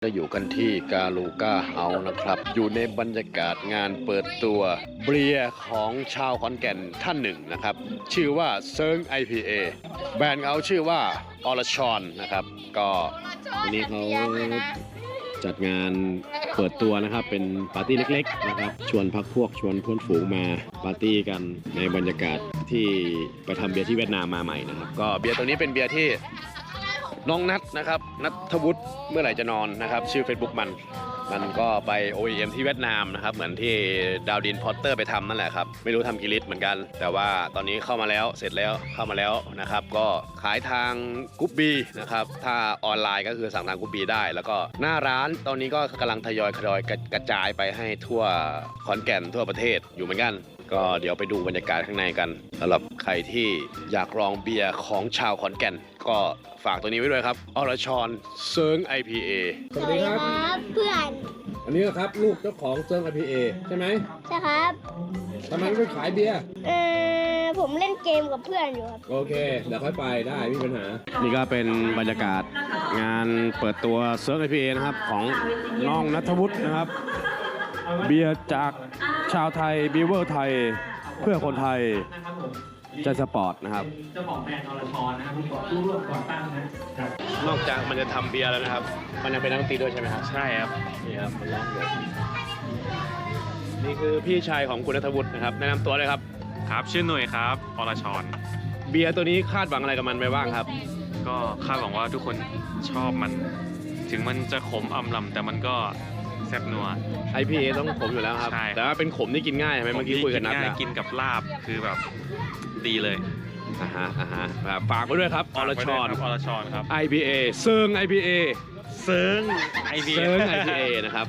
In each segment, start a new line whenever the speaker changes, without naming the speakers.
จะอยู่กันที่กาลูก้าเฮาส์นะครับอยู่ในบรรยากาศงานเปิดตัวเบียร์ของชาวขอนแก่นท่านหนึ่งนะครับชื่อว่าเซิร์ง IPA แบรนด์เขาชื่อว่าอรชรนะครับก็วันนี้เขาจัดงานเปิดตัวนะครับเป็นปาร์ตี้เล็กๆนะครับชวนพักพวกชวนเพื่อนฝูงมาปาร์ตี้กันในบรรยากาศที่ไปทำเบียร์ที่เวียดนามมาใหม่นะครับก็เบียร์ตัวนี้เป็นเบียร์ที่น้องนัทนะครับนัทวุฒิเมื่อไหร่จะนอนนะครับชื่อ Facebook มันก็ไป OEM ที่เวียดนามนะครับเหมือนที่ดาวดินพอตเตอร์ไปทำนั่นแหละครับไม่รู้ทำกี่ลิตรเหมือนกันแต่ว่าตอนนี้เข้ามาแล้วเสร็จแล้วเข้ามาแล้วนะครับก็ขายทางกรุ๊ปบีนะครับถ้าออนไลน์ก็คือสั่งทางกรุ๊ปบีได้แล้วก็หน้าร้านตอนนี้ก็กำลังทยอยกระจายไปให้ทั่วขอนแก่นทั่วประเทศอยู่เหมือนกันก็เดี๋ยวไปดูบรรยากาศข้างในกันสำหรับใครที่อยากลองเบียร์ของชาวขอนแก่นก็ฝากตัวนี้ไว้ด้วยครับอรชรเซิร์ง IPA
สวัสดีครับเพื่อน
อันนี้ครับลูกเจ้าของเซิร์ง IPA ใช่ไหม
ใช่ครับ
ทำไมไม่ขายเบียร์
ผมเล่นเกมกับเพื่อนอยู่ครับ
โอเคเดี๋ยวค่อยไปได้ไม่มีปัญหานี่ก็เป็นบรรยากาศงานเปิดตัวเซิร์ง IPA นะครับของน้องณัฐวุฒินะครับเบียร์จากชาวไทยบีเวอร์ไทยเพื่อคนไทยใจสปอร์ตนะครับ
เจ้าของแบรนด์อรชรนะครับผู้ร่วมก่อตั้งนะครับ
นอกจากมันจะทำเบียร์แล้วนะครับมันยังเป็นนักดนตรีด้วยใช่ไหมครับ
ใช่ครับ
นี่ครับมันร้องเลยนี่คือพี่ชายของคุณณัฐวุฒินะครับแนะนำตัวเลยครับ
ครับชื่อหน่วยครับอรชร
เบียร์ตัวนี้คาดหวังอะไรกับมันไปบ้างครับ
ก็คาดหวังว่าทุกคนชอบมัน ถึงมันจะขมอำลำแต่มันก็แซ่บนัว
IPA ต้องขมอยู่แล้วครับ
ใช่
แต่ว่าเป็นขมที่กินง่ายใช่ไหมเมื่อกี้คุยกับนัท
ง่าย
แล้ว
กินกับลาบคือแบบดีเลย
อ่าฮะฝากไว้ด้วยครับอรชร
อรชรครับ
IPA เซิร์ง IPA
เซิร์งไอเบีย
เซิร์ง IPA นะครับ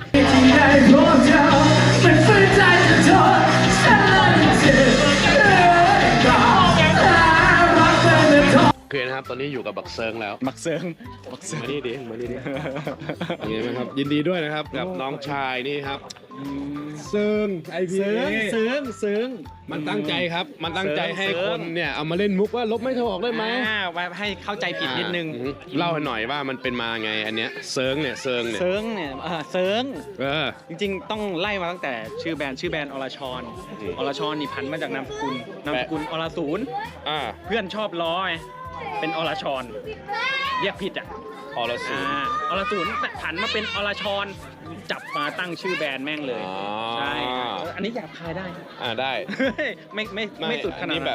โอเคนะครับตอนนี้อยู่กับบักเซิร์งแล้ว
มักเซิร์ง
มานี่ดิยังไงบ้างครับยินดีด้วยนะครับกับน้องชายนี่ครับเซิร์ง IPA
เซิร์ง
มันตั้งใจครับมันตั้งใจให้
เซิ
ค
ร์ง
นเนี่ยเอามาเล่นมุกว่าลบไม่เท่าออกได้ไหม
ไว้ให้เข้าใจผิดนิดนึง
เล่าให้หน่อยว่ามันเป็นมาไงอันเนี้ยเซิร์งเนี่ย
เซิร์งเซิร์ง
เออ
จริงๆ ต้องไล่มาตั้งแต่ชื่อแบรนด์อรชร
อืม
อรชรนี่พันมาจากนามสกุลอรศูนย์
อ่า
เพื่อนชอบล้อไงเป็นอรชรเรียกผิดอ่ะ
อรสูร
อรศูนย์ผันมาเป็นอรชรจับมาตั้งชื่อแบรนด์แม่งเลย
อ๋อ
ใช่อันนี้อยากพายได้
ได้
ไม่สุดขนาด
นี้
นั้น
แบบ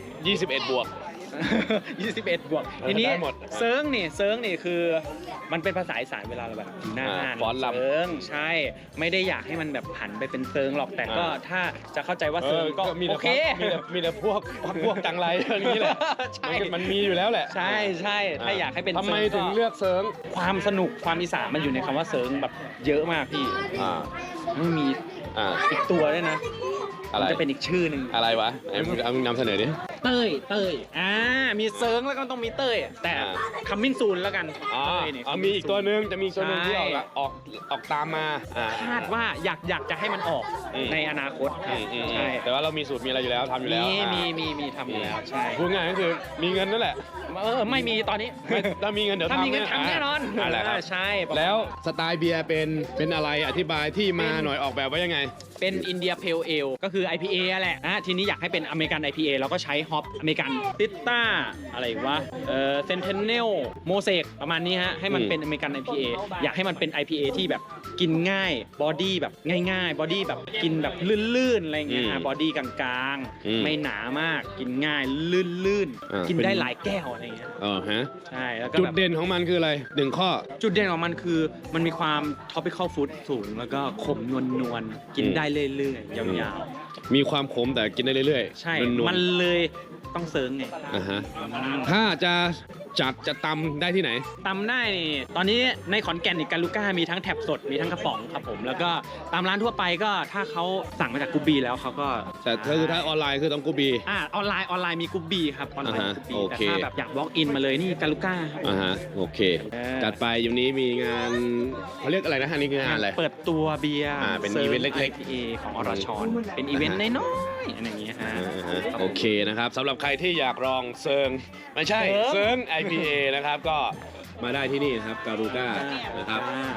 21 บวก
21 บวก
เออ
ทีนี้
ได้หมด
เซิร์งนี่คือมันเป็นภาษาอีสานเวลาเราแบบอยู่หน้างาน
ฟ้อนรำ
เซิร์งใช่ไม่ได้อยากให้มันแบบผันไปเป็นเซิร์งหรอกแต่ก็ถ้าจะเข้าใจว่าเซิร์งก็
มี
โอ
แต่
เค
มีแต่พวกจังไรอย่างนี้แหละ
ใช่
มันมีอยู่แล้วแหละ
ใช่ถ้าอยากให้เป็น
ทำไม
เซิร์
ถึงเลือกเซิร์ง
ความสนุกความอีสานมันอยู่ในคำว่าเซิร์งแบบเยอะมากพี่
อ่า
ไม่มี
อ่า
อีกตัวด้วยนะ
อะไร
มันจะเป็นอีกชื่อหนึ่ง
อะไรวะเอามึงนำเสนอดิ
เต้ยมีเซิร์งแล้วก็ต้องมีเต้ยแต่
อ่า
คัมมินซูนแล้วกัน
อ๋อ
เต้ยนี่
มีอีกตัวหนึงจะมีอีกตัวหนึงที่
ใช่
ออกตามมาอ่า
คาดว่าอยากจะให้มันออก
อืม
ในอนาคต ใช่
แต่ว่าเรามีสูตรมีอะไรอยู่แล้วทำอยู่แล้ว
มีทำอยู่แล้วใช่
พูดง่ายก็คือมีเงินนั่นแหละ
ไม่มีตอนนี้
ถ้ามีเงินเดี๋ยว
ถ้ามีเงินทำแน่นอน
อะไรครับ
ใช่
แล้วสไตล์เบียร์เป็นอะไรอธิบายที่มาหน่อยออกแบบไว้ยังไง
เป็นอินเดียเพลเอลก็คือ IPA แหละทีนี้อยากให้เป็นอเมริกัน IPA เราก็ใช้ฮอปอเมริกันติสต้าอะไรวะเซนเทนเนลโมเสกประมาณนี้ฮะให้มันเป็นอเมริกัน IPA อยากให้มันเป็น IPA ที่แบบกินง่ายบอดี้แบบง่ายๆบอดี้แบบกินแบบลื่นๆอะไรเงี้ยบอดี้กลางๆไม่หนามากกินง่ายลื่นๆกินได้หลายแก้วอะไรเงี้ย
ฮะ
ใช่แล้วก็
จุด
แบบ
เด่นของมันคืออะไรหนึ่งข้อ
จุดเด่นของมันคือมันมีความ topical food สูงแล้วก็ขมนวลๆกินได้เรื่อยๆยาว
มีความขมแต่กินได้เรื่อย
ๆ ใช่
นวลๆ
มันเลยต้องเซิร์งไง
ฮะถ้าจะตำได้ที่ไหน
ตำได้นี่ตอนนี้ในขอนแก่นอีกกาลูก้ามีทั้งแท็บสดมีทั้งกระป๋องครับผมแล้วก็ตามร้านทั่วไปก็ถ้าเขาสั่งมาจากกูบีแล้วเขาก็
แต่ถ้าออนไลน์คือต้องกูบี
ออนไลน์มีกูบีครับออนไลน์มีกูบี
โอ
แต่
เค
ถ้าแบบอยาก walk in มาเลยนี่กาลูก้าครับ
โอเค
เออ
จัดไปอยู่นี้มีงานเขาเรียกอะไรนะอันนี้คืองานอะไร
เปิดตัวเบียร์
เป็นอีเวนต์เล็กๆ
IPA ของอรชรเป็นอีเวนต์น้อยๆอะไรอย่างเงี้ยฮะ
โอเคนะครับสำหรับใครที่อยากลองเซิร์งไม่ใช่
เซิร์ง
IPA นะครับก็มาได้ที่นี่นะครับการูก้านะครับ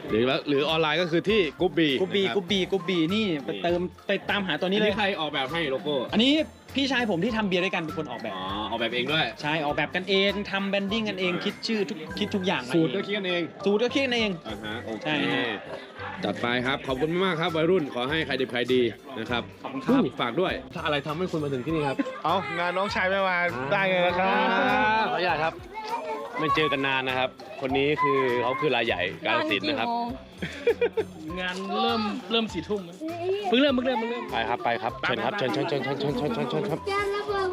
หรือออนไลน์ก็คือที่กรุ๊ปบี
กรุ๊ปบีนี่ไปตามหาตัวนี้
นี่
เล
เลย ยใครออกแบบให้โลโก้
อันนี้พี่ชายผมที่ทำเบียร์ด้วยกันเป็นคนออกแบบ
อ๋อออกแบบเองด้วย
ใช่ออกแบบกันเองทำแบรนดิ้งกันเองคิดชื่อคิดทุกอย่างมา
สูตร
เอ
ก็
ง
คิดกันเอง
สูตรก็คิดกันเอง
อ่าฮะโอเค
ใช่ฮะ
จัดไปครับขอบคุณมากครับวัยรุ่นขอให้ใครดีใครดีนะครับ
ขอบคุณครับ
ฝากด้วยถ้าอะไรทำให้คุณมาถึงที่นี่ครับ
เอางานน้องชายไม่มาได้ไงล่ะครับ
ขออนุญาตครับ ไม่เจอกันนานนะครับ คนนี้คือเขาคือรายใหญ่กาฬสินธุ์นะครับ
งานเริ่ม4 ทุ่มเพิ่งเริ่ม
ไปครับเชิญครับเชิญครับ